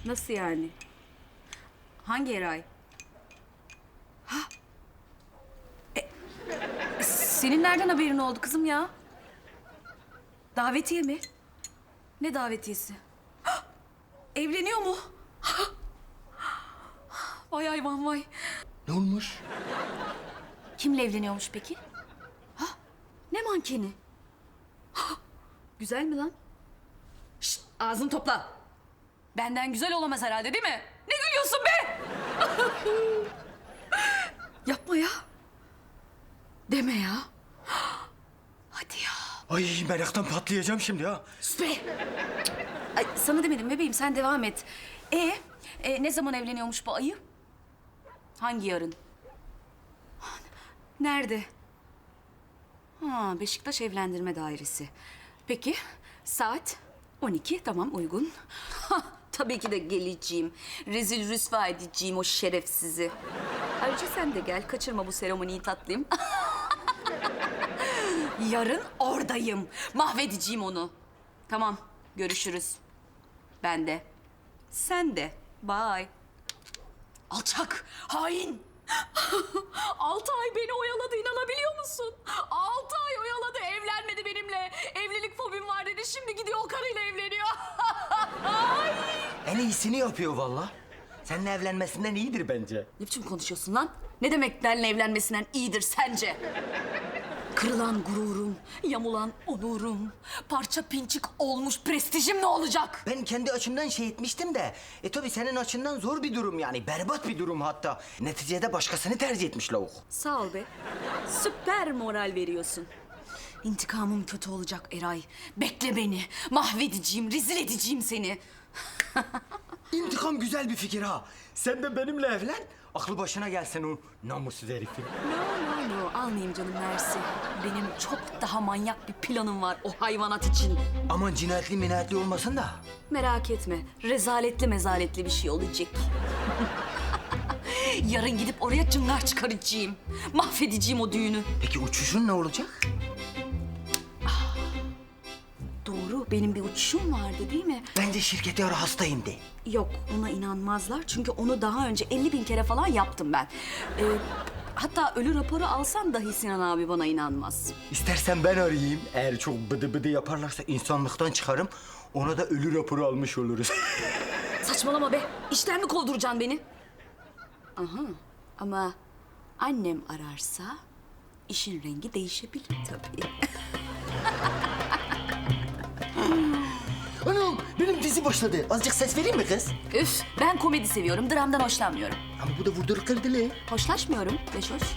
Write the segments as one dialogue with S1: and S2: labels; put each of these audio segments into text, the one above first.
S1: Nasıl yani? Hangi Eray? Ha? Senin nereden haberin oldu kızım ya? Davetiye mi? Ne davetiyesi? Ha! Evleniyor mu? Ha! Vay hayvan vay.
S2: Ne olmuş?
S1: Kimle evleniyormuş peki? Ha? Ne mankeni? Ha! Güzel mi lan? Şşt, ağzını topla. Benden güzel olamaz herhalde değil mi? Ne gülüyorsun be? Yapma ya. Deme ya. Hadi ya.
S2: Ay meraktan patlayacağım şimdi ha.
S1: Sus be. Ay, sana demedim bebeğim, sen devam et. Ne zaman evleniyormuş bu ayı? Hangi yarın? Nerede? Ha, Beşiktaş Evlendirme Dairesi. Peki, saat 12, tamam uygun. Ha, tabii ki de geleceğim. Rezil rüsva edeceğim o şerefsizi. Ayrıca sen de gel, kaçırma bu seremoniyi tatlım. Yarın oradayım. Mahvedeceğim onu. Tamam, görüşürüz. Ben de. Sen de. Bye. Alçak, hain. 6 ay beni oyaladı, inanabiliyor musun? 6 ay oyaladı, evlenmedi benimle. Evlilik fobim var dedi, şimdi gidiyor o karıyla evleniyor.
S2: En iyisini yapıyor vallahi. Seninle evlenmesinden iyidir bence.
S1: Ne biçim konuşuyorsun lan? Ne demek benimle evlenmesinden iyidir sence? Kırılan gururum, yamulan onurum, parça pinçik olmuş prestijim ne olacak?
S2: Ben kendi açımdan şey etmiştim de... tabii senin açından zor bir durum yani. Berbat bir durum hatta. Neticede başkasını tercih etmiş lavuk.
S1: Sağ ol be. Süper moral veriyorsun. İntikamım kötü olacak Eray. Bekle beni. Mahvedeceğim, rezil edeceğim seni.
S2: İntikam güzel bir fikir ha. Sen de benimle evlen. Aklı başına gelsin o namussuz herifin.
S1: No, almayayım canım mersi. Benim çok daha manyak bir planım var o hayvanat için.
S2: Aman cinayetli minayetli olmasın da.
S1: Merak etme, rezaletli mezaletli bir şey olacak. Yarın gidip oraya cıngar çıkaracağım. Mahvedeceğim o düğünü.
S2: Peki uçuşun ne olacak?
S1: Doğru, benim bir uçuşum vardı değil mi?
S2: Bence şirkete ara hastayım de.
S1: Yok, ona inanmazlar. Çünkü onu daha önce 50.000 kere falan yaptım ben. Hatta ölü raporu alsam dahi Sinan abi bana inanmaz.
S2: İstersen ben arayayım. Eğer çok bıdı bıdı yaparlarsa insanlıktan çıkarım. Ona da ölü raporu almış oluruz.
S1: Saçmalama be. İşten mi kovduracaksın beni? Aha. Ama annem ararsa işin rengi değişebilir tabii.
S2: Anam benim dizi başladı. Azıcık ses vereyim mi kız?
S1: Üf, ben komedi seviyorum. Dramdan hoşlanmıyorum.
S2: Ama bu da vurduruk kırdılı.
S1: Hoşlaşmıyorum. Beş hoş.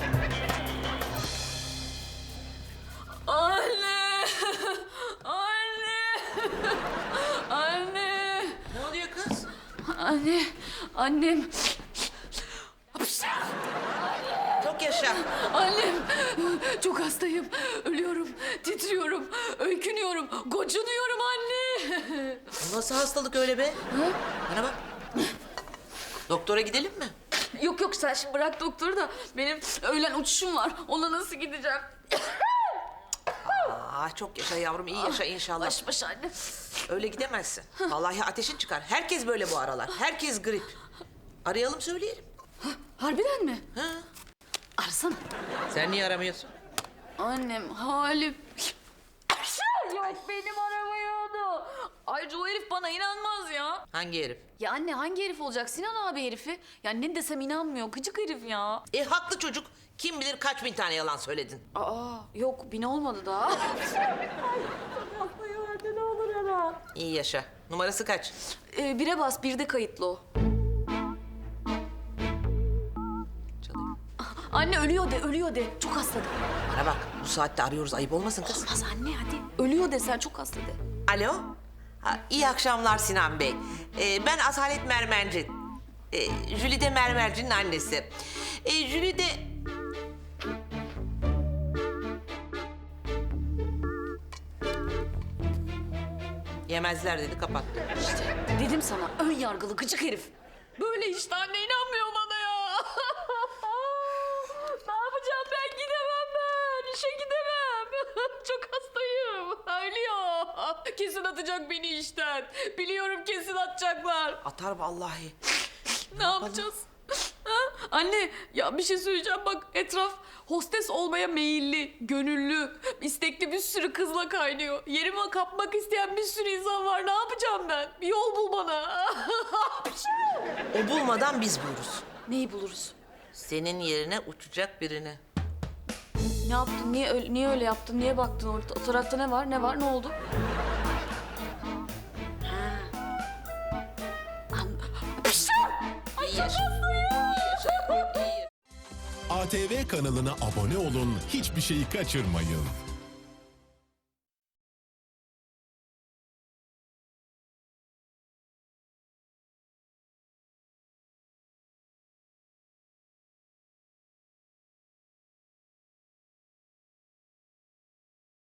S1: Anne! Anne! Anne!
S3: Ne oluyor kız?
S1: Anne! Annem!
S3: Çok yaşa.
S1: Annem! Çok hastayım. Ölüyorum. Titriyorum. Öykünüyorum. Gocunuyorum anne!
S3: Bu nasıl hastalık öyle be? Bana bak. Doktora gidelim mi?
S1: Yok yok sen şimdi bırak doktoru da benim öğlen uçuşum var. Ona nasıl gideceğim?
S3: Çok yaşa yavrum, iyi yaşa inşallah.
S1: Baş başa anne.
S3: Öyle gidemezsin. Vallahi ateşin çıkar. Herkes böyle bu aralar. Herkes grip. Arayalım söyleyelim.
S1: Harbiden mi?
S3: Ha?
S1: Arasana.
S3: Sen niye aramıyorsun?
S1: Annem halim. Yok benim aramıyordu. Ayrıca o herif bana inanmaz ya.
S3: Hangi herif?
S1: Ya anne hangi herif olacak? Sinan abi herifi. Ya ne desem inanmıyor. Gıcık herif ya.
S3: Haklı çocuk. Kim bilir kaç bin tane yalan söyledin.
S1: Yok 1000 olmadı daha.
S3: İyi yaşa. Numarası kaç?
S1: 1'e bas 1'de kayıtlı o.
S3: Çalıyor.
S1: Anne ölüyor de. Çok hasta de.
S3: Bana bak, bu saatte arıyoruz. Ayıp olmasın kız.
S1: Olmaz anne hadi. Ölüyor de sen çok hasta de.
S3: Alo. İyi akşamlar Sinan Bey. Ben Asalet Mermerci. Jülide Mermerci'nin annesi. Jülide... Yemezler dedi, kapattı.
S1: İşte dedim sana ön yargılı gıcık herif. Böyle işte anne inanmıyor bana ya. Ne yapacağım ben gidemem ben. İşe gidemem. Çok hastayım. Ölüyor. Kesin
S4: atacak beni işten. Biliyorum kesin atacaklar.
S3: Atar vallahi.
S4: Ne yapacağız? Ha? Anne ya bir şey söyleyeceğim bak etraf hostes olmaya meyilli, gönüllü, istekli bir sürü kızla kaynıyor. Yerime kapmak isteyen bir sürü insan var. Ne yapacağım ben? Bir yol bul bana.
S3: O bulmadan biz buluruz.
S4: Neyi buluruz?
S3: Senin yerine uçacak birini.
S4: Ne yaptın? Niye öyle yaptın? Niye baktın orada? O tarafta ne var? Ne var? Ne oldu?
S5: ATV kanalına abone olun, hiçbir şeyi kaçırmayın.